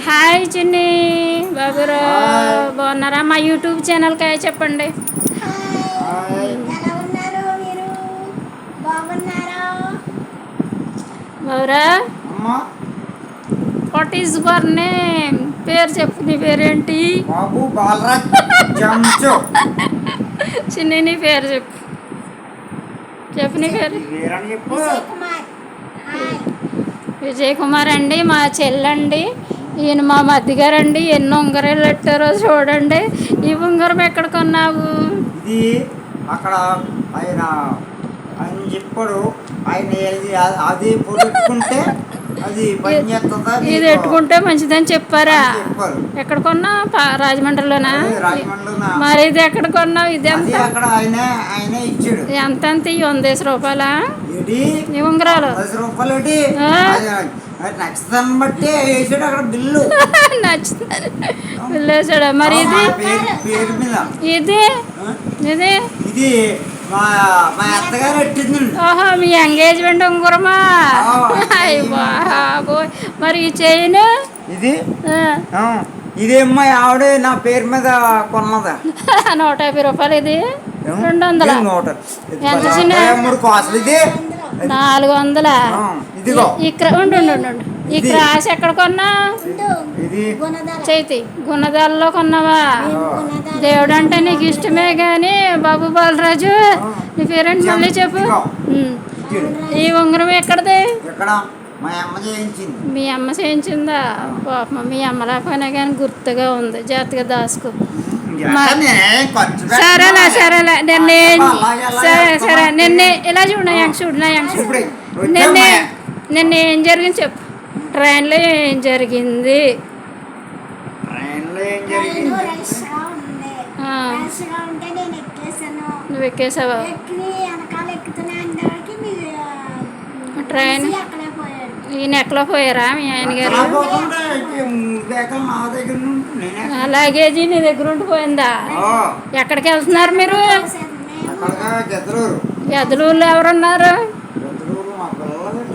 Hi చిన్ని hi. Baburao, బాగున్నారా? మా యూట్యూబ్ ఛానల్కి హాయ్ చెప్పండి. హాయ్. ఎలా ఉన్నారు మీరు? బాగున్నారా? బాబురా, అమ్మా వాట్ ఈజ్ యువర్ నేమ్? పేరు చెప్పు, నీ పేరేంటి? బాబు బాలరాజ్ జంచు చిన్ని నీ పేరు చెప్పు, చెప్పు నీ పేరు. వేరని చెప్పు. విజయ్ కుమార్. హాయ్. విజయ్ కుమార్ అండి, మా చెల్లండి. ఈయన మా మధ్యగారండి. ఎన్ని ఉంగరాలు పెట్టారో చూడండి. ఈ ఉంగరం ఎక్కడ కొన్నావు? ఇది అక్కడ ఆయన ఆయన చెప్పాడు. ఆయన అది పెట్టుకుంటే అది పని చేస్తుందా ఇది పెట్టుకుంటే మంచిదని చెప్పారా? చెప్పారు. ఎక్కడ కొన్నావు? రాజమండ్రిలోనా? రాజమండ్రిలోనా? మరి ఇది ఎక్కడ కొన్నావు? ఇది అది ఎంత? అక్కడ ఆయన ఇచ్చాడు. ఎంత ఎంత? 100 రూపాయలా ఏంటి ఈ ఉంగరాలు? 10 రూపాయలు ఏంటి? ఆ? అది నచ్చదాన్ని బట్టి వేసాడు అక్కడ బిల్లు. నచ్చుతుంది వెళ్ళేసాడా? మరి ఇది పేరు మీద ఇది ఆ? ఇది ఇది మా మా అత్తగారు పెట్టిందండి. ఓహో, మీ ఎంగేజ్మెంట్ ఉంగరమా? ఆ, అయ్య బాబోయ్. మరి ఈ చైన్? ఇది ఇదేమ్మా ఆవిడ నా పేరు మీద కొన్నదా. 150 రూపాయలు. ఇది 200. ఎంత చిన్న? 3 కాసులు ఇది. 400. ఆ, ఇదిగో ఇక్కడ ఉండు ఉండు ఉండు ఉండు. ఈ ఇది. క్రాస్ ఎక్కడ కొన్నా? ఇది గుణదల. చైతి గుణదాల్లో కొన్నావా? గుణదల. దేవుడు అంటే నీకు ఇష్టమే కానీ బాబు బాలరాజు, నీ పేరెంట్ మళ్ళీ చెప్పు. ఉమ్. ఈ ఉంగరం ఎక్కడది? ఇక్కడ మా అమ్మ చేయించింది. మీ అమ్మ చేయించిందా? పాపం, మీ అమ్మ లేకపోయినా కానీ గుర్తుగా ఉంది. జాగ్రత్తగా దాసుకో. ఎక్కడ నేనేం ఖర్చు పెట్టను. సరేలే సరేలే. నిన్న అలాగే అలాగే సరే వస్తావా? సరే నిన్న ఇలా చూడు, నా యంగ్ చూడు, నా యంగ్ చూడు. ఇప్పుడు నిన్న వచ్చామ్మా. నిన్న ఏం జరిగింది చెప్పు. ట్రైన్లో ఏం జరిగింది? ట్రైన్లో ఏం ట్రైన్ జరిగింది? రష్గా ఉంది. ఆ. రష్గా ఉంటే నేను ఎక్కేసాను. నువ్వు ఎక్కేసావా? ఎక్కి వెనకాల ఎక్కుతున్నా అందరికి ట్రైన్ అక్కడే పోయాడు. ఈయన ఎక్కలో పోయారా మీ ఆయన గారు? అలా పోతుంటే బేకలు నా దగ్గర నుండి నేనే లగేజీ నీ దగ్గర ఉండిపోయిందా? ఎక్కడికి వెళ్తున్నారు మీరు? అక్కడగా గెదలూరు. ఎదులూరులో ఎవరున్నారు? గెదలూరు మా పిల్లలండి.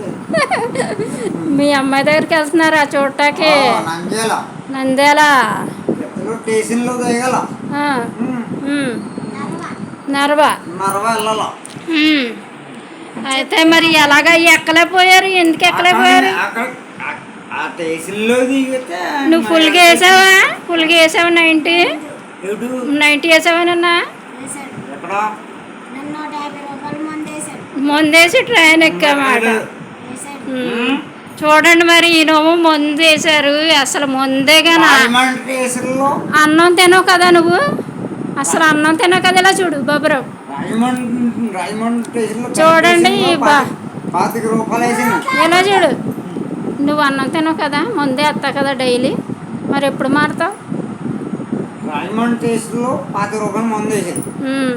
మీ అమ్మాయి దగ్గరికి వెళ్తున్నారా చూడటానికి? నంద్యాల నంద్యాల. గెదలూరు స్టేషన్లో దిగల. ఆ, ఉమ్. నరవా. మరవ వెళ్ళాల. ఉమ్. అయితే మరి ఎలాగ ఎక్కలేకపోయారు? ఎందుకు ఎక్కలేకపోయారు? అక్కడ ఆ స్టేషన్లో దిగితే నువ్వు ఫుల్గా వేసావా? ఫుల్గా వేసావా? 90 ఎటు? 90 వేసావానన్నా? వేశాడు. ఎక్కడ? నన్ను 150 రూపాయలు మందేశాడు. ముందేసి ట్రైన్ ఎక్కామాట. వేశాడు. చూడండి మరి ఈయనేమో ముందు వేశారు. అసలు ముందేగానా? రాజమండ్రి స్టేషన్లో అన్నం తినవు కదా నువ్వు? అసలు అన్నం తినవు కదా? ఇలా చూడు బాబురావు. రాజమండ్రి స్టేషన్లో చూడండి ఈ బా- 25 రూపాయలు వేసింది. ఇలా చూడు. నువ్వు అన్నం తినవు కదా? ముందే వస్తావు కదా డైలీ. మరి ఎప్పుడు మారుతావు? రాజమండ్రి స్టేషన్లో 25 రూపాయలు మందు వేసింది.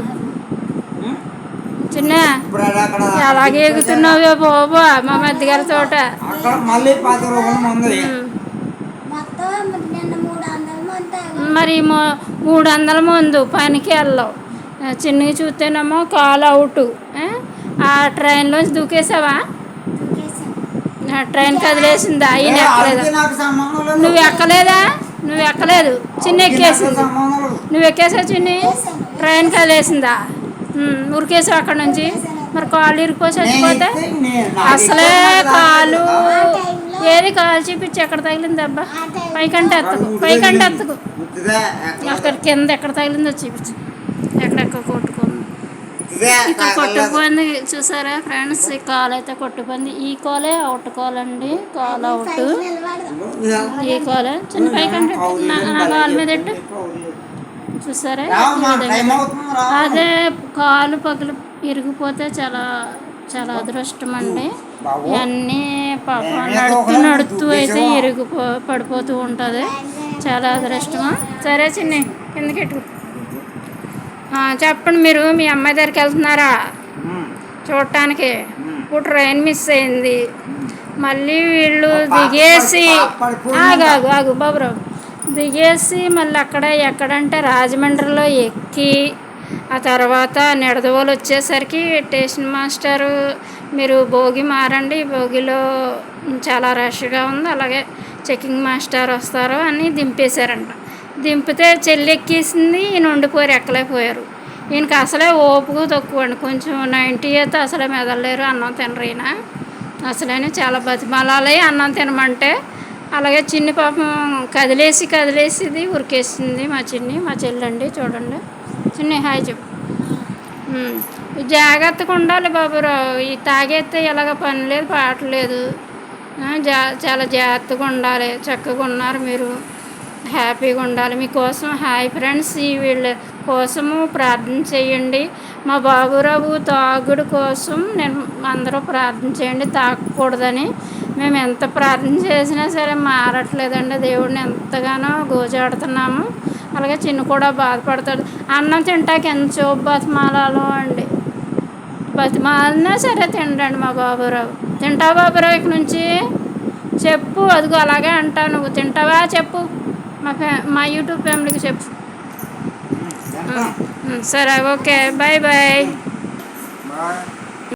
చిన్న ఇప్పుడు అది అక్కడ ఎలాగే ఎగుతున్నావే బాబా మా మధ్యగారి తోట. అక్కడ మళ్ళీ 25 రూపాయలు మందు వేసింది. మొత్తం నిన్న 300 మంది తాగారు. మరి 300 ముందు పనికి వెళ్ళావు. చిన్నగా చూస్తేనేమో కాల్ అవుట్. ఆ ట్రైన్లోంచి దూకేసావా? దూకేశాడు. ఆ ట్రైన్ కదిలేసిందా? ఈయన ఎక్కలేదా? వాళ్ళకి నాకు సంబంధం లేదు. నువ్వు ఎక్కలేదా? నువ్వు ఎక్కలేదు. చిన్న వాళ్ళకి నాకు ఎక్కేసింది. సంబంధం లేదు. నువ్వు ఎక్కేసావు చిన్ని? ట్రైన్ కదిలేసిందా? ఉరికేసావు అక్కడ నుంచి. మరి కాళ్ళు ఇరికిపోయి చచ్చిపోతే అసలే కాలు ఏది కాలు చూపించి ఎక్కడ తగిలింది అబ్బా? పైకంటే ఎత్తకు, పైకంటే ఎత్తకు. ఉత్తిదే, అక్కడ కింద ఎక్కడ తగిలిందో చూపించు. ఎక్కడెక్కడ కొట్టుకుంది. ఉత్తిదే ఇక్కడ తాగలేదు. కొట్టుకుపోయింది చూసారా ఫ్రెండ్స్? ఈ కాల్ అయితే కొట్టుకుంది. ఈ కాలే అవుట్ కాల్ అండి. కాల్ అవుట్. నిలబడదు. ఈ కాలే చిన్న పైకంటే నా కాలు మీద ఎట్టు. చూసారా? రావమ్మా, ఈ విధంగా. టైం అవుతుంది రా. అదే కాలు పగిలి ఇరిగిపోతే చాలా చాలా అదృష్టం అండి. ఇవన్నీ పాపం నడుస్తూ అయితే పడిపోతూ ఉంటుంది. చాలా అదృష్టమా. సరే చిన్ని కిందకెట్టు. చెప్పండి, మీరు మీ అమ్మాయి దగ్గరికి వెళ్తున్నారా చూడటానికి? ఇప్పుడు ట్రైన్ మిస్ అయింది. మళ్ళీ వీళ్ళు దిగేసి ఆగు ఆగు బాబురావు, దిగేసి మళ్ళీ అక్కడ ఎక్కడంటే రాజమండ్రిలో ఎక్కి ఆ తర్వాత నిడదవోలు వచ్చేసరికి స్టేషన్ మాస్టరు మీరు భోగి మారండి, భోగిలో చాలా రష్గా ఉంది, అలాగే చెకింగ్ మాస్టర్ వస్తారు అని దింపేశారంట. దింపితే చెల్లి ఎక్కేసింది, ఈయన ఉండిపోయారు, ఎక్కలేకపోయారు. ఈయనకి అసలే ఓపిక తక్కువ అండి, కొంచెం 90 అయితే అసలే మెదలేరు, అన్నం తినరు ఈయన అసలైన. చాలా బతిమాలాలి అన్నం తినమంటే. అలాగే చిన్ని పాపం కదిలేసిది ఉరికేసింది. మా చెల్లండి, చూడండి. చిన్ని హాయ్ చెప్పు. జాగ్రత్తగా ఉండాలి బాబురావు, ఈ తాగేస్తే ఎలాగ పని లేదు పాట లేదు. చాలా జాగ్రత్తగా ఉండాలి. చక్కగా ఉన్నారు మీరు, హ్యాపీగా ఉండాలి. మీకోసం హాయ్ ఫ్రెండ్స్, ఈ వీళ్ళ కోసము ప్రార్థన చేయండి. మా బాబురావు తాగుడు కోసం అందరూ ప్రార్థన చేయండి, తాగకూడదని. మేము ఎంత ప్రార్థన చేసినా సరే మారట్లేదండి. దేవుడిని ఎంతగానో గోజాడుతున్నాము. అలాగే చిన్న కూడా బాధపడతాడు. అన్నం తింటాక ఎంత చూపు బతిమాలలో అండి, బతిమాలినా సరే తినడండి మా బాబురావు. తింటావా బాబురావు? ఇక నుంచి చెప్పు, అదిగో అలాగే అంటావు. నువ్వు తింటావా చెప్పు, మా యూట్యూబ్ ఫ్యామిలీకి చెప్పు. సరే, ఓకే, బాయ్ బాయ్.